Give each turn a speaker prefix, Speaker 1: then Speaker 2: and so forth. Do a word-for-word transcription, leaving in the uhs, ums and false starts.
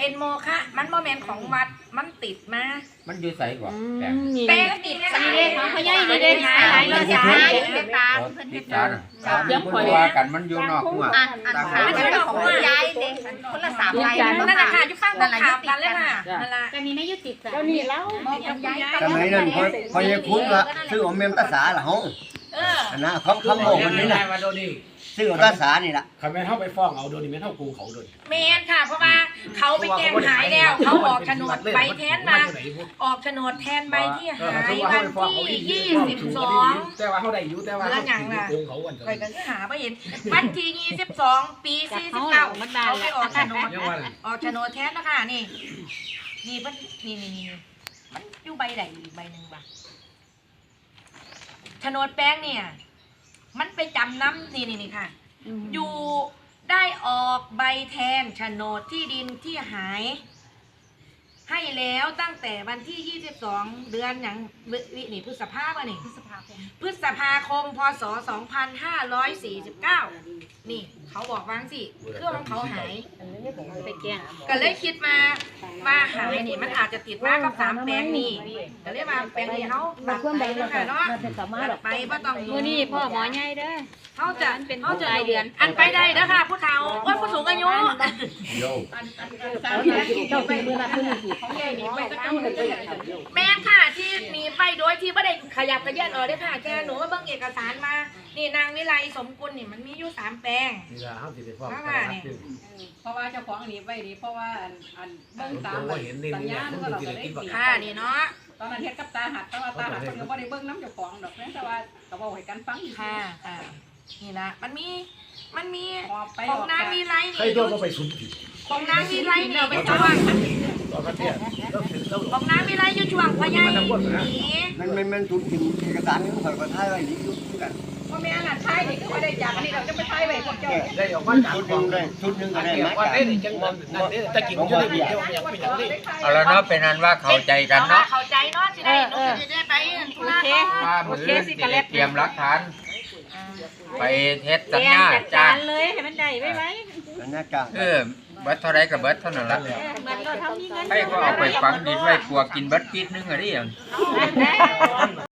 Speaker 1: เป็นโมฆะมันโมเมนของวัดมันติดมา
Speaker 2: มันอยู่ใส่ก่อน
Speaker 1: แป้งติดสายเด้ของเขาใหญ่เลยเด้หายหายเลยสายเป็นตาเพิ่นเฮ็ดจัง
Speaker 2: เดี๋ยวคอยว่ากันมันอยู่นอกหัว
Speaker 1: ตาขามันเป็นของยายเด้คนละสามใบนั่นน่ะค่ะอยู่ฟังนั่นล่ะอยู่กันเลยค่ะนั่นล่ะจะมีไม่ยุติกันเจ้านี่แล้ว
Speaker 3: สมัยนั้นพอพอยายคุ้นว่าซื้ออมเมมตาสาล่ะเฮาเอออันนั้นคำคำบอกมันนี่น่ะซื้ออมตาสานี่ล่ะ
Speaker 4: คันแม่นเฮาไปฟ้องเอาโดนนี่แม่นเฮากูเขาโดน
Speaker 1: แม่นค่ะเพราะว่าเขาไปแจ้งหายแล้วเขาออกโฉนดใบแทนมาออกโฉนดแทนใบที่หายวันที่ยี่สิบสอง
Speaker 4: แต่ว่าเฮาได้อยู่แต่ว่าเฮาโกงเขาวัน
Speaker 1: ไปกันหาบ่เห็นวันที่ยี่สิบสองปีสี่สิบเก้าเขาไปออกโฉนดออกโฉนดแทนนะคะนี่นี่มันนี่นี่นี่มันอยู่ใบใดใบหนึ่งบ่โฉนดแป้งเนี่ยมันไปจำน้ำนี่นี่นี่ค่ะอยู่ได้ออกใบแทนโฉนดที่ดินที่หายให้แล้วตั้งแต่วันที่ยี่สิบสองเดือนอย่างวินี่พฤษภาคมนี่พฤษภาคมพฤษภาคมพศสองพันห้าร้อยสี่สิบเก้านี่เขาบอกว่างสิเครื่องของเขาหายไปแก้ก็เลยคิดมามาหายนี่มันอาจจะติดมากกับสามแปลงนี่ก็เลยมาแปลงนี้เขาตัดไปเลยค่ะเนาะตัดไปเพราะต้องมือนี่พ่อหมอใหญ่เด้อเขาจะเป็นเขาจะเดือนอันไปได้เด้อค่ะผู้เฒ่าว่าผู้สูงอายุแม่ค่ะที่มีไปโดยที่ไม่ได้ขยับกระเยื่อนออกได้ค่ะแกหนูว่าเบิ่งเอกสารมานี่นางวิไลสมกุลนี่มันมีอยู่สามแปลง
Speaker 5: เพราะว่าเจ้าของอันนี้ไว้ดีเพราะว่าอันอันเบิ่งตามสัญญาณก็เราจะได้ดี
Speaker 1: ค่ะนี่เนาะ
Speaker 5: ตอนนั้นเฮ็ดกับตาหัดแต่ว่าตาหัดเพิ่นก็บ่ได้เบิ่งน้ำเจ้าของดอกแต่ว่าก็บอกให้กันฟัง
Speaker 1: ค่ะอ่านี่นะมันมีมันมีของนางวิไลนี่ของนางวิไลนี่เป็นช่วงของนางวิไลอยู่ช่วงพญานี่
Speaker 3: มันมันมันถูกถึงเอกสารของข่อยก็ถ่ายไว้นี่อยู่คือกัน
Speaker 5: พ่อแม่น่ะถ่ายนี่คือว่าได้จากอันนี้เราจะไปถ่ายไว้พวกเจ้า
Speaker 4: ได้ออกมาจาก
Speaker 3: ชุดนึงได้ชุดนึงก็ได้
Speaker 4: มาได้จังมันนั่นนี่ตะกี้อยู่ได้เดียวยังเป็นอย่างนี้
Speaker 2: เอาละเนาะเป็นนั้นว่าเข้าใจกันเนาะ
Speaker 1: เข้าใจเนาะสิได้หนูสิได้ไปธุระเนาะ
Speaker 2: ว่ามื้อสิได้เตรียมหลักฐานไปเฮ็ดสัญญาจ้าง
Speaker 1: เลยให้มันได้ไว้ไว้
Speaker 3: สัญญาจ้าง
Speaker 2: เออเบิดเท่าไรก็เบิดเท่านั้นล่ะให้ก็เอาไปฝังดินไว้กลัวกินเบิดปีนึงอ่ะดิ